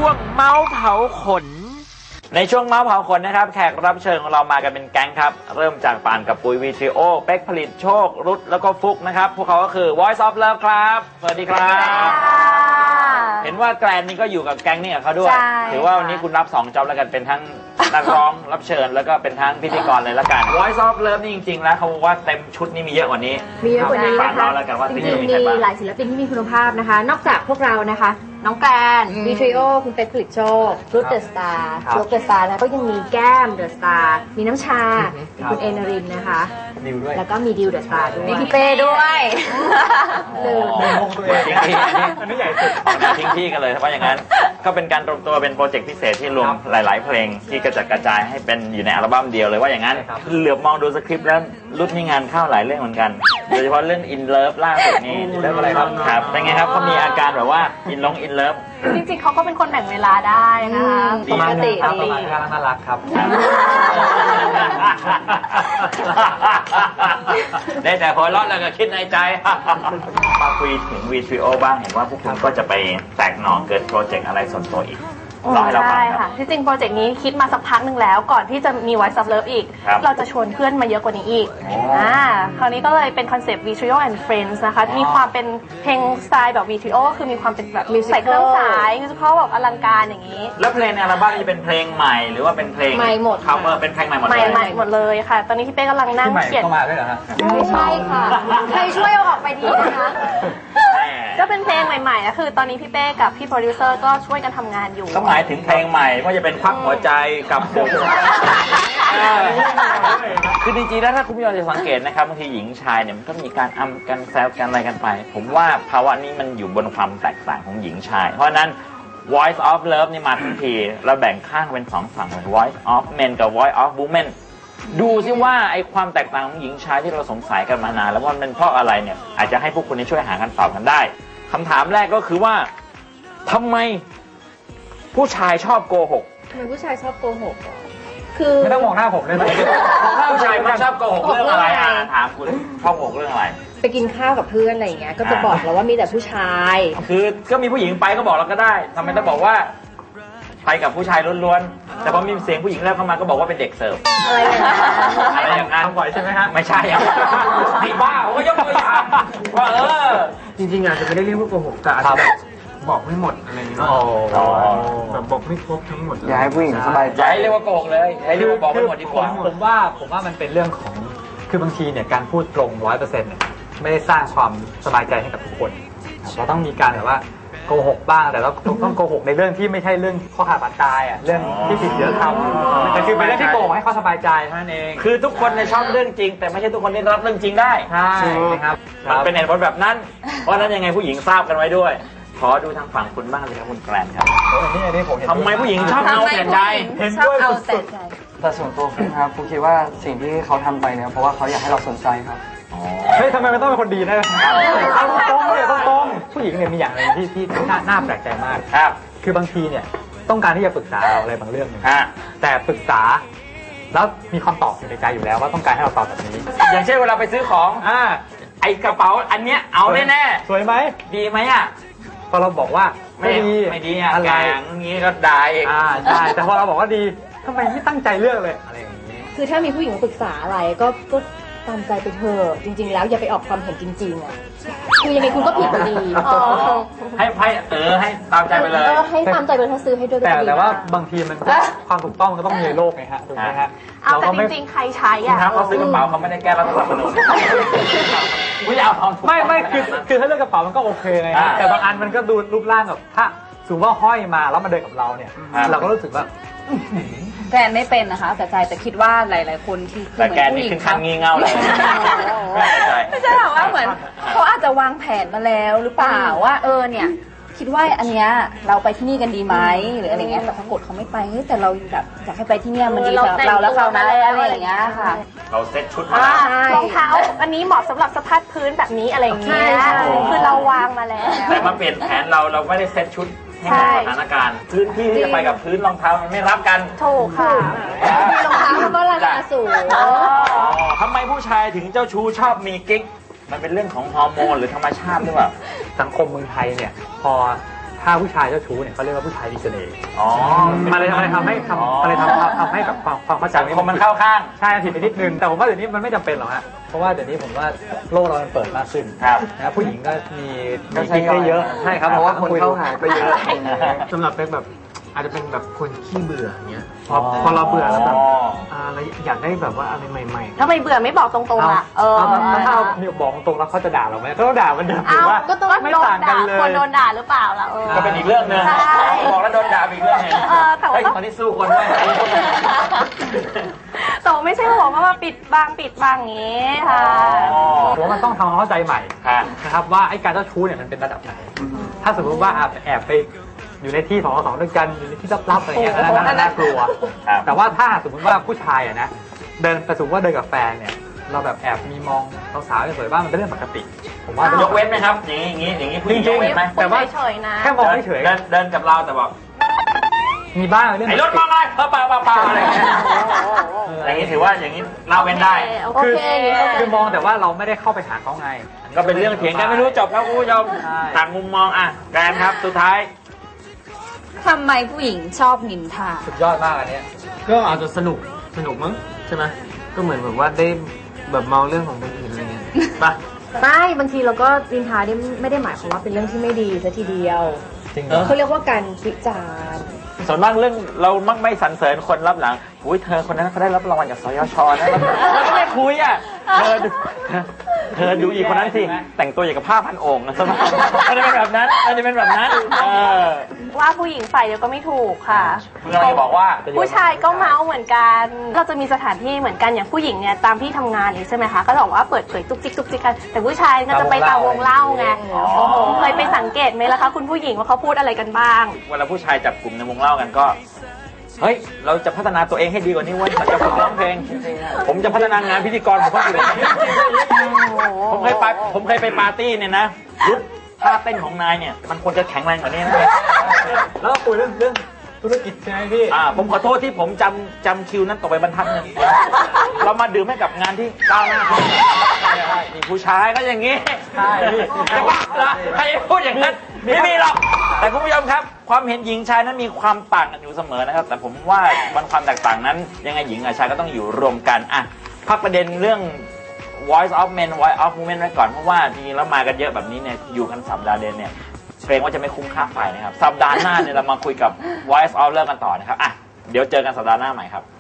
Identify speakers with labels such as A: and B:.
A: วงเมาส์เผาขนในช่วงเมาส์เผาขนนะครับแขกรับเชิญของเรามากันเป็นแก๊งครับเริ่มจากปานกับปุยวีทริโอเป๊กผลิตโชครุดแล้วก็ฟุกนะครับพวกเขาก็คือ Voice of Love ครับสวัสดีครับเห็นว่าแกรนนี่ก็อยู่กับแก๊งนี่กับเขาด้วยถือว่าวันนี้คุณรับ2จ็อบแล้วกันเป็นทั้งนักร้องรับเชิญแล้วก็เป็นทั้งพิธีกรเลยละกัน Voice of Love นี่จริงๆแล้วเขาบอกว่าเต็มชุดนี่มีเยอะกว่านี้
B: มีเยอะกว่านี้นะคะจริงๆมีหลายศิลปินที่มีคุณภาพนะคะนอกจากพวกเรานะคะน้องแกรนวีทริโอคุณเป็กผลิตโชครุดเดอะสตาร์ฟลุกเดอะสตาร์แล้วก็ยังมีแก้มเดอะสตาร์มีน้ำชาคุณเอนรินนะคะแล้วก็มีดิวเดอะสตาร์ด้วยมีพี่เป้ด้วยลืม
A: ทิ้งที่อันนี้ใหญ่สุดทิ้งที่กันเลยเพราะอย่างนั้นก็เป็นการรวมตัวเป็นโปรเจกต์พิเศษที่รวมหลายๆเพลงที่กระจัดกระจายให้เป็นอยู่ในอัลบั้มเดียวเลยว่าอย่างนั้นเหลือบมองดูสคริปต์แล้วรุ่นมีงานเข้าหลายเรื่องเหมือนกันโดยเฉพาะเรื่อง In Love ล่าสุดนี้เรื่องอะไรครับเป็นไงครับเขามีอาการแบบว่า In Love
C: จริงๆเขาก็เป็นคนแบ่งเวลาได้นะคะ
B: ปกติ
D: น่ารักครับ
A: ได้แต่หัวเราะแล้วก็คิดในใจมาคุยถึงวีทริโอบ้างเห็นว่าพวกคุณก็จะไปแตกหน่อเกิดโปรเจกต์อะไรส่วนตัวอีก
C: ใช่ค่ะที่จริงโปรเจกต์นี้คิดมาสักพักหนึ่งแล้วก่อนที่จะมี Voice of Love อีกเราจะชวนเพื่อนมาเยอะกว่านี้อีกคราวนี้ก็เลยเป็นคอนเซปต์ Vitrio and Friends นะคะมีความเป็นเพลงสไตล์แบบ Vitrio คือมีความเป็นแบบใส่เครื่องสายมิวสิคัลแบบอลังการอย่างนี้
A: แล้วเพลงในอัลบั้มจะเป็นเพลงใหม่หรือว่าเป็นเพลง
B: ใหม่หมด
A: cover เป็นเพลงใหม่หมดเลย
C: ใหม่หมดเลยค่ะตอนนี้พี่เป้กำลังนั่งเขียน
D: เข้ามาด้วยเหรอฮะ
B: ไม่ใช่ค่ะใครช่วยเอาออกไปดีนะคะ
C: ก็เป็นเพลงใหม่ๆก็คือตอนนี้พี่เป้กับพี่โปรดิวเซอร์ก็ช่วยกันทำงานอยู่
A: ก็หมายถึงเพลงใหม่ว่าจะเป็นควักหัวใจกับผมคือจริงๆแล้วถ้าคุณผู้ชมจะสังเกตนะครับบางทีหญิงชายเนี่ยมันก็มีการอำกันแซวกันอะไรกันไปผมว่าภาวะนี้มันอยู่บนความแตกต่างของหญิงชายเพราะนั้น Voice of Love นี่มาทั้งทีเราแบ่งข้างเป็น2ฝั่งเลย Voice of Men กับ Voice of Women ดูซิว่าไอ้ความแตกต่างของหญิงชายที่เราสงสัยกันมานานแล้วว่ามันเป็นเพราะอะไรเนี่ยอาจจะให้พวกคุณช่วยหาคำตอบกันได้คำถามแรกก็คือว่าทำไมผู้ชายชอบโกหก
B: ทำไมผู้ชายชอบโกหกคือ
D: ไม่ต้องมองหน้าผมเลย
A: ผู้ชายมันชอบโกหกเรื่องอะไรถามคุณชอบโกหกเรื่องอะไร
B: ไปกินข้าวกับเพื่อนอะไรอย่างเงี้ยก็จะบอกเราว่ามีแต่ผู้ชาย
A: คือก็มีผู้หญิงไปก็บอกเราก็ได้ทำไมต้องบอกว่าไปกับผู้ชายล้วนๆแต่พอมีเสียงผู้หญิงแรกเข้ามาก็บอกว่าเป็นเด็กเสิร์ฟอะไรอย่างนั้น
D: บ่อยใช่ไหมฮะ
A: ไม่ใช่ไอ้บ้าผมก็ยกตัวอย่างว่า
D: จริงๆอาจจะไม่ได้เรียกว่าโกหกแต่อาจจะบอกไม่หมดอะไรอย่างเงี้ยแบบบอกไม่ครบทั้งหมด
E: อย่าให้ผู้หญิงสบายใจ
A: เรียกว่าโกหกเลยให้เรียกว่าบอกไม่หมดดีกว่า
D: ผมว่ามันเป็นเรื่องของคือบางทีเนี่ยการพูดตรง 100% เนี่ยไม่ได้สร้างความสบายใจให้กับทุกคนเราต้องมีการแบบว่าโกหกบ้างแต่เราต้องโกหกในเรื่องที่ไม่ใช่เรื่องข้อขาดบาดตายอ่ะเรื่องที่ผิดเยอะทำแต่คือเป็นเรื่องที่โกหกให้เขาสบายใจเท่านั้นเอง
A: คือทุกคนชอบเรื่องจริงแต่ไม่ใช่ทุกคนที่รับเรื่องจริงได้
D: ใช่ครับ
A: มันเป็นเหตุผลแบบนั้นเพราะนั้นยังไงผู้หญิงทราบกันไว้ด้วยขอดูทางฝั่งคุณบ้างเลยครับคุณแกรนครับ
D: อันนี้ผมเห็น
A: ทำไมผู้หญิงชอบเอาแต่ใจ
D: เห็นด้วยสุด
E: ๆแต่ส่วนตัวผมครับผมคิดว่าสิ่งที่เขาทำไปเนี่ยเพราะว่าเขาอยากให้เราสนใจครับ
D: เฮ้ยทำไมมันต้องเป็นคนดีนะต้องผู้หญิงเนี่ยมีอย่างนึงที่น่าแปลกใจมาก
A: ครับ
D: คือบางทีเนี่ยต้องการที่จะปรึกษาเราอะไรบางเรื่องนึงแต่ปรึกษาแล้วมีคำตอบอยู่ในใจอยู่แล้วว่าต้องการให้เราตอบแบบนี้
A: อย่างเช่นเวลาไปซื้อของไอกระเป๋าอันเนี้ยเอาแน่
D: สวยไหม
A: ดีไหมอ่ะ
D: พอเราบอกว่าไม่ดี
A: อะไรอย่างนี้ก็ได้เอง
D: ใช่แต่พอเราบอกว่าดีทำไมไม่ตั้งใจเลือกเลยอะไรอย่างนี้
B: คือถ้ามีผู้หญิงปรึกษาอะไรก็ตามใจไปเถอะจริงๆแล้วอย่าไปออกความเห็นจริงๆอ่ะคือยังไงคุณก็ผิดอยู่ดี
A: ให้ตามใจไปเลย
B: ให้ตามใจไปถ้าซื้อให้ด้วย
D: แต่ว่าบางทีมันความถูกต้องก็ต้องมีในโลกไงฮะถูกไหมฮะ
C: เอาแต่จริงๆใครใช้อ่ะ
A: เขาซื้อกระเป๋าเขาไม่ได้แก้รัฐธรรมนูญ
D: ไม่คือถ้าเลือกกระเป๋ามันก็โอเคไงแต่บางอันมันก็ดูรูปร่างแบบถ้าสมมติว่าห้อยมาแล้วมาเดินกับเราเนี่ยเราก็รู้สึกว่า
F: แกนไม่เป็นนะคะแต่คิดว่าหลายๆคนที่
A: เหมือนผู้หญิงทำงี่เง่าเลย
F: ไม่ใช่หรอกว่าเหมือนเขาอาจจะวางแผนมาแล้วหรือเปล่าว่าเนี่ยคิดว่าอันเนี้ยเราไปที่นี่กันดีไหมหรืออะไรเงี้ยแต่ปรากฏเขาไม่ไปแต่เราแบบอยากให้ไปที่เนี่ยมันดีสำหรับเราแล้วเขานะอะไรอย่างเงี้ยค่ะ
A: เราเซ็ตชุดมาร
C: องเท้าอันนี้เหมาะสำหรับสะพายพื้นแบบนี้อะไรอย่างเงี้ยคือเราวางมาแล้ว
A: แต่มาเปลี่ยนแผนเราไม่ได้เซ็ตชุดให้สถานการณ์พื้นที่ที่จะไปกับพื้นรองเท้ามันไม่รับกัน
C: ถูกค่ะ
B: มีรองเท้าก็ราคาสูง
A: ทำไมผู้ชายถึงเจ้าชู้ชอบมีกิ๊กมันเป็นเรื่องของฮอร์โมนหรือธรรมชาติหรือเปล่า
D: สังคมเมืองไทยเนี่ยพอถ้าผู้ชายเจ้าชู้เนี่ยเขาเรียกว่าผู้ชายมีเสน่ห์
A: อ๋อ
D: มันเลยทำให้แบบความเข้าใจ
A: สังคมมันเข้าข้าง
D: ใช่ผิดไปนิดนึงแต่ผมว่าเดี๋ยวนี้มันไม่จำเป็นหรอกฮะเพราะว่าเดี๋ยวนี้ผมว่าโลกเรามันเปิดมากขึ้น
A: ครับ
D: นะผู้หญิงก็มี
E: ก็ใช้
D: ได้เยอะ
E: ใช่ครับเพราะว่าคนเข้าหาก็เยอะ
G: สำหรับเป็นแบบอาจจะเป็นแบบคนขี้เบื่ออย่างเงี้ยพอเราเบื่อแล้วแบบเราอยากได้แบบว่าอะไรใหม่
C: ถ้าไม่เบื่อไม่บอกตรงๆอ่ะ
D: ถ้ามีบอกตรงแล้วเขาจะด่าเราไหมก็ต้องด่ามันเดิมถือว่า
C: ก็ต้อง
D: ไม่
C: โดน
D: ต่างกั
C: ด่าน
D: เล
C: คน
D: ย
C: โดนด่าหรือเปล่าล่ะ
A: ก็เป็นอีกเรื่องหนึง
C: ใช่
A: บอกแล้วโดนด่าอีกเรื่องหนึง
C: แต่ว่า
A: ตอนนี้สู้คนด้วย
C: แต่ว่าไม่ใช่ว่าบอกว่ามาปิดบังอย่างนี้ค่ะ
D: ผมว่ามันต้องทำความเข้าใจใหม่
A: ค่ะ
D: นะครับว่าไอ้การเจ้าชู้เนี่ยมันเป็นระดับไหน ถ้าสมมติว่าแอบไปอยู่ในที่2 2ด้วยกันอยู่ในที่ลับๆอะไรเงี้ยอันนั้นน่ากลัว
A: ครับ
D: แต่ว่าถ้าสมมติว่าผู้ชายอะนะเดินไปสมมติว่าเดินกับแฟนเนี่ยเราแบบแอบมีมองสาวๆสวยๆบ้างมันเป็นเรื่องปกติ ผมว่า
A: ยกเว้นไหมครับ อย่างนี้ผู้หญิงยกเว้นไหม
D: แต่ว่า
C: เฉยๆนะ
D: แค่มองเฉย
A: เดินกับเราแต่บอก
D: ๆมีบ้างเรื่อง
A: ไอ้รถมองอะไรเปล่าอะไรอย่างเงี้ยอย่างนี้ถือว่าอย่างนี้เราเว้นได้
C: โอเค
D: คือมองแต่ว่าเราไม่ได้เข้าไปหาเขาไง
A: ก็เป็นเรื่องเถียงกันไม่รู้จบแล้วคุณผู้ชม
D: ใช่
A: ต่างมุมมองอ่ะแกรนครับสุดท้าย
F: ทำไมผู้หญิงชอบนินทา
D: สุดยอดมากอันเนี้ย
G: ๆ ก็อาจจะสนุกมั้งใช่ไหมก็เหมือนแบบว่าได้แบบมองเรื่องของคนอื่นอะไรเงี้ยป่ะ
B: ไม่บางทีเราก็นินทาเนี่ยไม่ได้หมายความว่าเป็นเรื่องที่ไม่ดีซะทีเดียว
D: จริงเหรอ
B: เขาเรียกว่าการวิจารณ์
A: ส่วนมากเรื่องเรามักไม่สรรเสริญคนรับหลังอุ้ยเธอคนนั้นเขาได้รับรางวัลจากสยชนะเราก็ไม่คุยอ่ะเธอดูอีกคนนั้นสิแต่งตัวอย่างกับผ้าพันองค์นะสมัยมันจะเป็นแบบนั้น
C: ว่าผู้หญิงฝ่ายเดียวก็ไม่ถูกค่ะ
A: เราจะบอกว่า
C: ผู้ชายก็เมาเหมือนกัน เราจะมีสถานที่เหมือนกันอย่างผู้หญิงเนี่ยตามที่ทำงานนี่ใช่ไหมคะ ก็จะบอกว่าเปิดเผยตุกจิกกัน แต่ผู้ชายก็จะไปตามวงเล่าไง โอ้โห เคยไปสังเกตไหมล่ะคะคุณผู้หญิงว่าเขาพูดอะไรกันบ้าง
A: เวลาผู้ชายจับกลุ่มในวงเล่ากันก็ เฮ้ย เราจะพัฒนาตัวเองให้ดีกว่านี้เว้ยมันจะฝึกร้องเพลง ผมจะพัฒนางานพิธีกรผมก็อยู่เลยผมเคยไปปาร์ตี้เนี่ยนะยุทธท่าเต้นของนายเนี่ย มันควรจะแข็งแรงกว่านี้นะ
D: แล้วก็คุยเรื่องธุรกิจใช่ไหมพี่
A: ผมขอโทษที่ผมจำคิวนั้นตกไปบรรทัดนึงเรามาดื่มให้กับงานที่ก้าวหน้าเขานี่ผู้ชายก็อย่างนี้
D: ใช่พี่
A: จะบ้าเหรอใครจะพูดอย่างนั้นไม่มีหรอก แต่คุณผู้ชมครับ ความเห็นหญิงชายนั้นมีความต่างกันอยู่เสมอนะครับ แต่ผมว่าบนความแตกต่างนั้นยังไงหญิงกับชายก็ต้องอยู่รวมกันอ่ะพักประเด็นเรื่อง voice of men voice of women ไว้ก่อนเพราะว่าจริงๆแล้วมากันเยอะแบบนี้เนี่ยอยู่กันสัปดาห์เดือนเนี่ยเกรงว่าจะไม่คุ้มค่าไฟนะครับสัปดาห์หน้าเนี่ยเรามาคุยกับ voice of เลิกกันต่อนะครับอ่ะเดี๋ยวเจอกันสัปดาห์หน้าใหม่ครับ